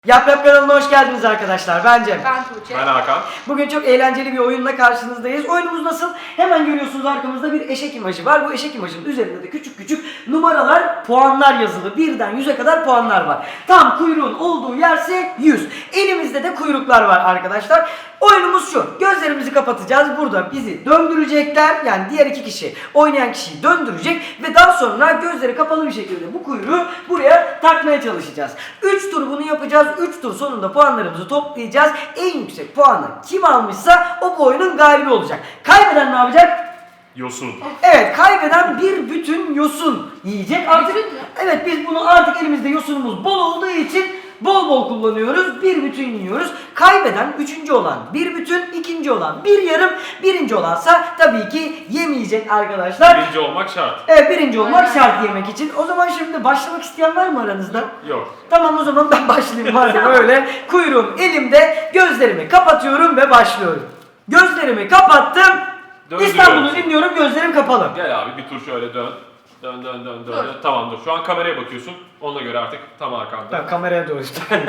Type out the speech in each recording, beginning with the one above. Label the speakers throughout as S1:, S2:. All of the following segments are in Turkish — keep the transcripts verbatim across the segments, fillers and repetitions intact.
S1: Yap Yap kanalına hoş geldiniz arkadaşlar. Ben Cem.
S2: Ben Tuğçe.
S3: Ben Hakan.
S1: Bugün çok eğlenceli bir oyunla karşınızdayız. Oyunumuz nasıl? Hemen görüyorsunuz arkamızda bir eşek imajı var. Bu eşek imajının üzerinde de küçük küçük numaralar, puanlar yazılı. Birden yüze kadar puanlar var. Tam kuyruğun olduğu yerse yüz. Elimizde de kuyruklar var arkadaşlar. Oyunumuz şu. Gözlerimizi kapatacağız. Burada bizi döndürecekler. Yani diğer iki kişi, oynayan kişiyi döndürecek ve daha sonra gözleri kapalı bir şekilde bu kuyruğu buraya takmaya çalışacağız. üç tur bunu yapacağız. üç tur sonunda puanlarımızı toplayacağız. En yüksek puanı kim almışsa o bu oyunun galibi olacak. Kaybeden ne yapacak?
S3: Yosun.
S1: Evet, kaybeden bir bütün yosun yiyecek. Artık
S2: Bütün mü?
S1: evet, biz bunu artık elimizde yosunumuz bol olduğu için bol bol kullanıyoruz. Bir bütün yiyoruz. Kaybeden üçüncü olan bir bütün, ikinci olan bir yarım, birinci olansa tabii ki yemeyecek arkadaşlar.
S3: Birinci olmak şart.
S1: Evet, birinci olmak
S2: Aynen.
S1: şart yemek için. O zaman şimdi başlamak isteyen var mı aranızda?
S3: Yok.
S1: Tamam, o zaman ben başlayayım madem öyle. Kuyruğum elimde, gözlerimi kapatıyorum ve başlıyorum. Gözlerimi kapattım.
S3: Döndürüyorum.
S1: İstanbul'u dinliyorum, gözlerim kapalı.
S3: Gel abi bir tur şöyle dön. Dön dön dön dön.
S2: Dur.
S3: dön. Tamam dur. Şu an kameraya bakıyorsun. Ona göre artık tam arkanda.
S1: Ben kameraya doğru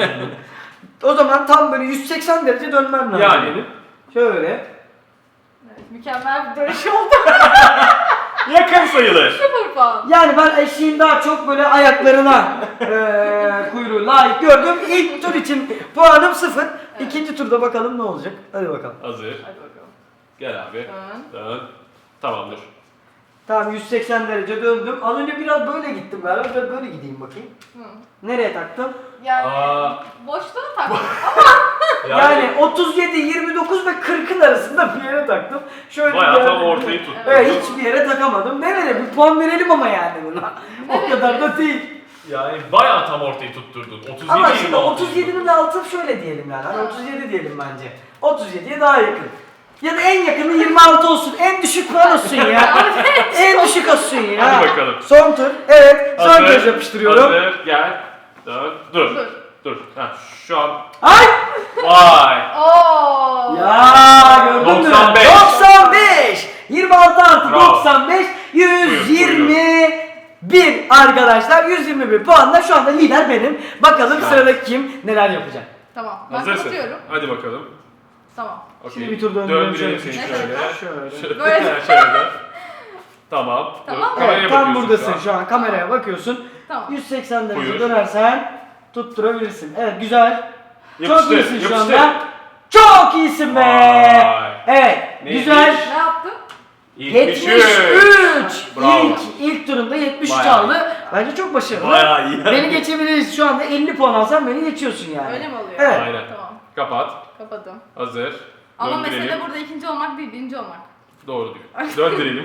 S1: O zaman tam böyle yüz seksen derece dönmem lazım.
S3: Yani.
S1: benim. Şöyle.
S2: Evet, mükemmel bir dönüş oldu.
S3: Yakın sayılır.
S2: Sıfır puan.
S1: Yani ben eşeğin daha çok böyle ayaklarına eee kuyruğu layık gördüm. İlk tur için puanım sıfır.
S2: Evet.
S1: İkinci turda bakalım ne olacak. Hadi bakalım.
S3: Hazır.
S2: Hadi bakalım.
S3: Gel abi.
S2: Dön.
S3: Dön. Tamamdır.
S1: Tamam, yüz seksen derece döndüm. Az önce biraz böyle gittim galiba. Biraz böyle gideyim bakayım.
S2: Hı.
S1: Nereye taktım?
S2: Yani
S3: Aa.
S2: boşluğa taktım.
S1: Yani, otuz yedi, yirmi dokuz ve kırkın arasında bir yere taktım. Şöyle
S3: Bayağı
S1: bir yere-
S3: tam ortayı tuttu.
S1: Evet, hiçbir yere takamadım. Ne verelim? Bir puan verelim ama yani buna. O
S2: Evet.
S1: kadar da değil.
S3: Yani bayağı tam ortayı tutturdun. otuz yedi
S1: Ama
S3: yirmi
S1: şimdi
S3: altı.
S1: otuz yedinin altı şöyle diyelim yani. Hani otuz yedi diyelim bence. otuz yediye daha yakın. Ya da en yakını yirmi altı olsun. En düşük puan olsun ya. En düşük olsun ya.
S3: Hadi bakalım.
S1: Son tur. Evet. Son
S3: Hazır,
S1: kez yapıştırıyorum.
S3: Hazır. Gel. Dön. Dur.
S2: Dur.
S3: Dur. Ha, şu an.
S1: Ay!
S3: Vay.
S2: Oo.
S1: Ya gördün mü?
S3: doksan beş.
S1: doksan beş. yirmi altı artı
S3: Bravo.
S1: doksan beş. yüz yirmi bir arkadaşlar. yüz yirmi bir puanla şu anda lider benim. Bakalım
S3: Evet.
S1: sıradaki kim neler yapacak.
S2: Tamam. Ben
S3: Hazırsın.
S2: kapatıyorum.
S3: Hadi bakalım.
S2: Tamam.
S3: Okey.
S1: Şimdi bir tur döndürelim
S3: Döndürelim
S1: şöyle.
S3: seni
S2: Şöyle.
S3: şöyle.
S1: Şöyle.
S2: Böyle.
S3: şöyle. Tamam.
S2: Tamam.
S3: Dur. Kameraya
S1: Evet, tam
S3: bakıyorsun
S1: buradasın
S3: şu an.
S1: şu an. Kameraya bakıyorsun.
S2: Tamam.
S1: yüz seksen derece
S3: Buyur.
S1: dönersen tutturabilirsin. Evet, güzel. Çok
S3: Yapıştır,
S1: iyisin şu
S3: yapıştır.
S1: anda. Çok iyisin be.
S3: Vay.
S1: Evet,
S3: Neymiş?
S1: güzel.
S2: Ne yaptım?
S1: yetmiş
S3: yetmiş
S1: üç.
S3: Bravo.
S1: İlk ilk turunda yetmiş üç
S3: Bayağı
S1: aldı. Bence çok başarılı.
S3: Bayağı iyi.
S1: Beni geçebiliriz. Şu anda elli puan alsan beni geçiyorsun yani.
S2: Öyle mi oluyor?
S1: Evet.
S3: Aynen.
S2: Tamam.
S3: Kapat.
S2: Kapadım.
S3: Hazır.
S2: Ama
S3: Döndürelim.
S2: mesele burada ikinci olmak değil, birinci olmak.
S3: Doğru diyor. Döndürelim.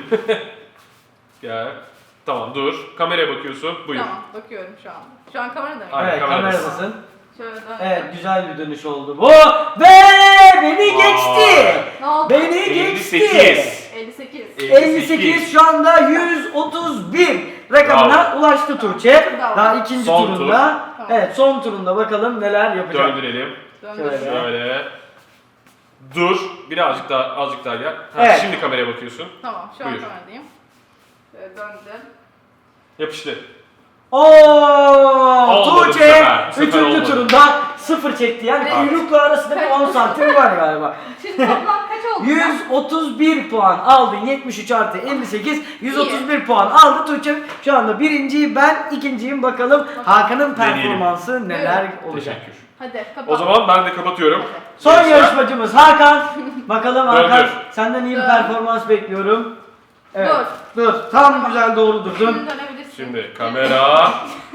S3: Gel. Tamam dur. Kameraya bakıyorsun. Buyur.
S2: Tamam. Bakıyorum şu an. Şu an kamerada mıyım?
S3: Aynen,
S1: Evet,
S3: kameradasın.
S1: kameradasın.
S2: Şöyle dön.
S1: Evet, güzel bir dönüş oldu bu. Ve beni geçti.
S2: Ne oldu?
S1: Beni
S3: elli
S1: geçti.
S3: sekiz.
S2: elli sekiz.
S1: elli sekiz şu anda yüz otuz bir rakamına ulaştı Tuğçe.
S2: Bravo.
S1: Daha ikinci
S3: Son
S1: turunda.
S3: tur.
S2: Tamam.
S1: Evet, son turunda bakalım neler yapacak.
S3: Döndürelim.
S2: Döndüm.
S1: Şöyle.
S3: Şöyle. Dur. Birazcık daha azıcık daha gel. Ha,
S1: Evet.
S3: Şimdi kameraya bakıyorsun.
S2: Tamam, şu an
S3: Buyur.
S2: kameradayım. Şöyle döndüm.
S3: Yapıştır.
S1: Oo,
S3: Olmadı bu
S1: Tuğçe
S3: sefer, bu sefer
S1: üçüncü
S3: olmadı.
S1: turunda sıfır çekti. Yani
S2: Evet.
S1: kuyrukla arasında bir on santim var galiba.
S2: Şimdi toplam kaç oldu?
S1: yüz otuz bir puan aldı. yetmiş üç artı elli sekiz. yüz otuz bir puan aldı Tuğçe. Şu anda birinciyi ben, ikinciyim. Bakalım Hakan'ın performansı neler olacak.
S3: Teşekkür.
S2: Hadi kapat.
S3: O zaman ben de kapatıyorum.
S2: Hadi.
S1: Son
S3: Gençler.
S1: yarışmacımız Hakan. Bakalım
S3: Döndür.
S1: Hakan, senden iyi bir
S2: Dön.
S1: performans bekliyorum. Evet.
S2: Dur.
S1: Dur. Tam güzel doğru durdun.
S2: Şimdi dönebilirsin.
S3: Şimdi kamera.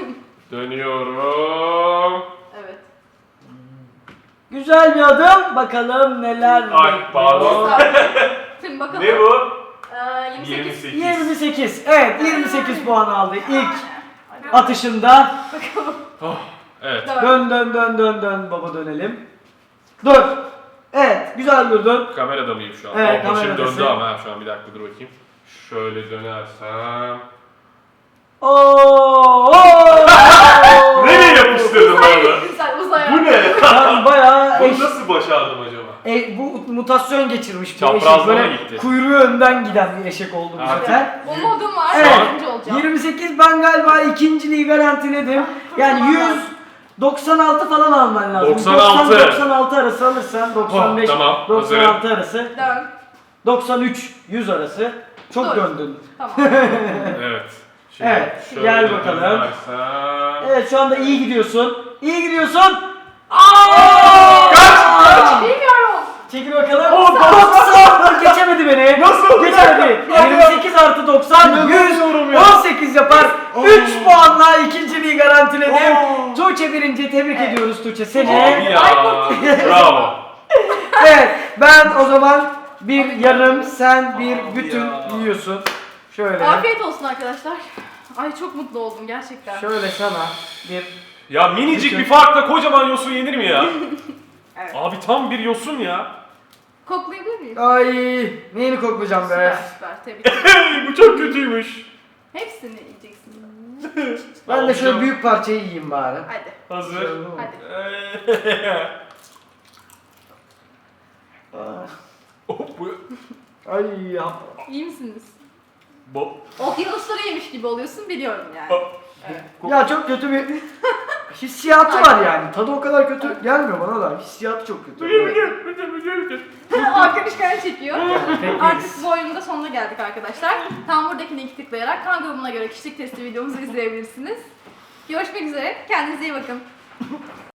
S3: Dönüyorum.
S2: Evet.
S1: Güzel bir adım. Bakalım neler
S3: Ay,
S1: bekliyor.
S3: pardon.
S2: Şimdi bakalım.
S3: Ne bu?
S2: Ee, yirmi sekiz.
S3: yirmi sekiz.
S1: yirmi sekiz. Evet, yirmi sekiz puan aldı ilk
S2: Hadi.
S1: atışında.
S3: Oh, evet.
S2: Dön.
S1: Dön dön dön dön dön baba dönelim. Dur. Evet, güzel durdun.
S3: Kamerada mıyım şu an?
S1: Evet,
S3: Oh, başım
S1: kameradasın.
S3: döndü ama ha, şu an bir dakika dur bakayım. Şöyle dönersem.
S1: Oo!
S3: Nereye yapıştırdın
S2: Uzay,
S3: bana?
S2: güzel uzaya.
S3: Bu ne?
S1: Ben bayağı eş,
S3: Bunu nasıl başardım acaba?
S1: e, bu mutasyon geçirmiş bir
S3: Çaprazlama
S1: eşek. Böyle
S3: gitti.
S1: kuyruğu önden giden bir eşek oldu bu
S3: Ha.
S1: sefer.
S2: Bu modum var.
S1: Evet.
S2: Birinci olacağım.
S1: yirmi sekiz ben galiba ikinciliği garantiledim. Yani yüz doksan altı falan alman lazım.
S3: doksan altı.
S1: doksan altı arası alırsan doksan beş,
S3: Oh, tamam,
S1: doksan altı arası,
S2: Dön.
S1: doksan üç, yüz arası. Çok
S2: Dur.
S1: döndün.
S2: Tamam.
S3: Evet. Şimdi
S1: Evet,
S3: şöyle
S1: gel bakalım.
S3: dönersem-
S1: Evet şu anda iyi gidiyorsun. İyi gidiyorsun.
S3: Kaç!
S2: Bilmiyorum.
S1: Çekil bakalım.
S3: Oh,
S1: doksan! Geçemedi beni.
S3: Nasıl?
S1: Geçemedi. yirmi sekiz artı doksan, yüz.
S3: İnanamıyorum ya.
S1: on sekiz yapar. üç puanla ikinciliği garantiledim.
S3: Oh.
S1: Tuğçe birinci. Tebrik
S2: Evet.
S1: ediyoruz Tuğçe
S3: Abi
S1: seni.
S3: ya. Bravo.
S1: Evet ben o zaman bir yarım, sen bir
S3: Abi
S1: bütün
S3: ya.
S1: yiyorsun. Şöyle.
S2: Afiyet olsun arkadaşlar. Ay çok mutlu oldum gerçekten.
S1: Şöyle sana bir...
S3: Ya minicik
S1: Bütün-
S3: bir farkla kocaman yosun yenir mi ya?
S2: Evet.
S3: Abi tam bir yosun ya.
S2: Koklayabilir miyim?
S1: Ay neyini koklayacağım
S2: Süper
S1: be.
S2: süper tebrik ederim.
S3: Hey, bu çok kötüymüş.
S2: Hepsini yiyeceksin.
S1: Ben de şöyle
S3: Alacağım.
S1: büyük parçayı yiyeyim bari.
S2: Hadi.
S3: Hazır.
S2: Hadi.
S3: Hop, bu.
S1: Ay ya.
S2: İyi misiniz?
S3: Bo.
S2: Okyanusları yemiş gibi oluyorsun biliyorum yani. Evet.
S1: Ya çok kötü bir hissiyatı var yani. Tadı o kadar kötü gelmiyor bana da. Hissiyatı çok kötü.
S2: Hakan işgal çekiyor.
S1: Peki.
S2: Artık bu oyunun da sonuna geldik arkadaşlar. Tam buradaki linki tıklayarak kan grubuna göre kişilik testi videomuzu izleyebilirsiniz. Görüşmek üzere. Kendinize iyi bakın.